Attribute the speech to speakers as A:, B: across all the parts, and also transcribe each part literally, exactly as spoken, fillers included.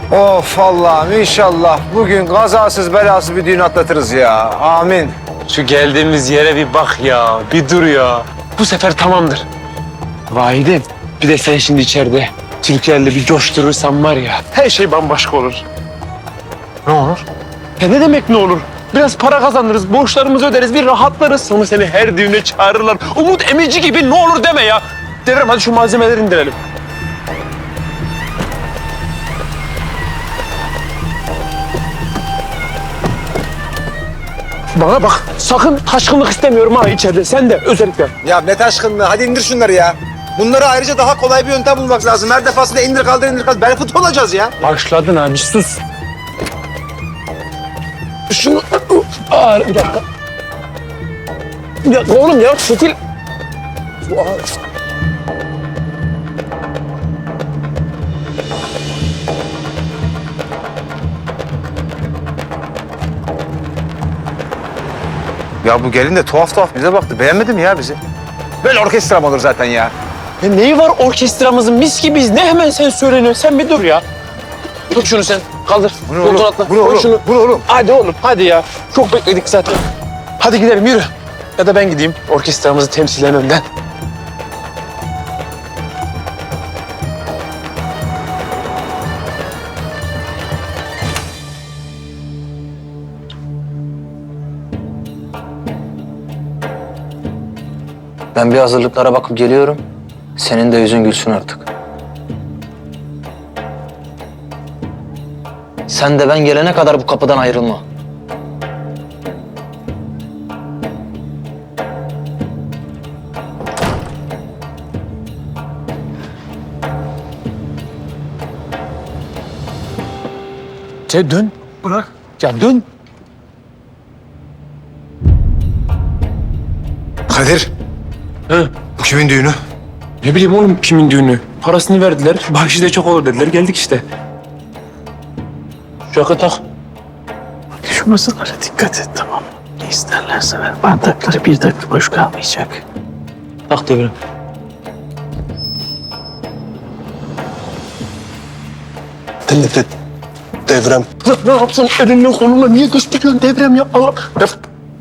A: Of Allah'ım inşallah bugün kazasız belasız bir düğün atlatırız ya. Amin.
B: Şu geldiğimiz yere bir bak ya, bir dur ya. Bu sefer tamamdır. Vahidem, bir de sen şimdi içeride Türkiye'yle bir coşturursan var ya, her şey bambaşka olur.
A: Ne olur?
B: Ya ne demek ne olur? Biraz para kazanırız, borçlarımızı öderiz, bir rahatlarız. Sonra seni her düğüne çağırırlar. Umut Emici gibi ne olur deme ya. Devrem hadi şu malzemeleri indirelim. Bana bak, sakın taşkınlık istemiyorum ha içeride. Sen de özellikle.
A: Ya ne taşkınlığı, hadi indir şunları ya. Bunları ayrıca daha kolay bir yöntem bulmak lazım. Her defasında indir kaldır indir kaldır. Barefoot olacağız ya.
B: Başladın abi, sus. Şunu... Aa, bir dakika. Bir dakika oğlum ya, fitil...
A: Ya bu gelin de tuhaf tuhaf bize baktı. Beğenmedi mi ya bizi? Böyle orkestra mı olur zaten ya?
B: Ya neyi var orkestramızın, mis gibiyiz. Ne hemen sen söyleniyorsun, sen bir dur ya. Tut şunu sen, kaldır.
A: Bu ne
B: Koltuğun
A: oğlum?
B: atla.
A: Bu ne
B: Koy
A: oğlum?
B: şunu.
A: Bu ne oğlum?
B: Hadi oğlum, hadi ya. Çok bekledik zaten. Hadi gidelim, yürü. Ya da ben gideyim, orkestramızı temsilen önden.
C: Ben bir hazırlıklara bakıp geliyorum. Senin de yüzün gülsün artık. Sen de ben gelene kadar bu kapıdan ayrılma.
B: Sen dön. Bırak. Ya dön.
A: Kadir.
B: He.
A: Bu kimin düğünü?
B: Ne bileyim oğlum kimin düğünü. Parasını verdiler, bahşiş de çok olur dediler. Geldik işte. Şu yakı tak.
D: Şu masalara dikkat et, tamam mı? Ne isterlerse ver. Bardakları bir dakika boş kalmayacak.
B: Tak Devrem.
E: De, de, devrem.
B: Ne, ne yapsın elinle kolunla niye gösteriyorsun Devrem ya? Allah. Def.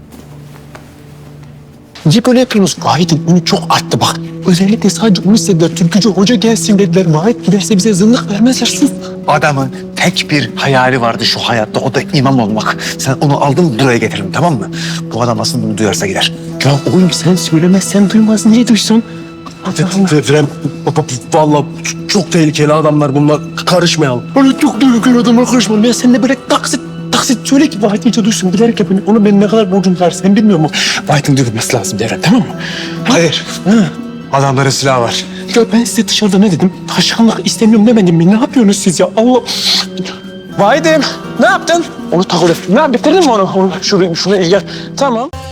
D: Niye böyle yapıyorsunuz? Vahit'in ünü çok arttı bak. Özellikle sadece onu istediler. Türkücü hoca gelsin dediler. Vahit giderse bize zındık vermezler. Sus.
E: Adamın tek bir hayali vardı şu hayatta, o da imam olmak. Sen onu aldın buraya getirdin, tamam mı? Bu adam aslında bunu duyarsa gider.
D: Ya oğlum sen söylemezsen duymaz. Niye duysun?
E: Devrem, vallahi çok tehlikeli adamlar bunlar. Karışmayalım.
D: Öyle çok duygulu adamlar karışmam. Ya sen de böyle taksit taksit söyle ki Vahit iyice duysun. Bilerek yapın. Onu ben ne kadar borcum var sen bilmiyor musun? Vahit'in duyulması lazım Devlet, tamam mı?
E: Hayır.
D: Ha.
E: Adamların silahı var.
D: Ya ben size dışarıda ne dedim? Taşkınlık istemiyorum demedim mi? Ne yapıyorsunuz siz ya? Allah...
B: Vahidem, ne yaptın? Onu tak oraya. Ne bitirdin mi onu? onu şunu, şunu il gel. Tamam.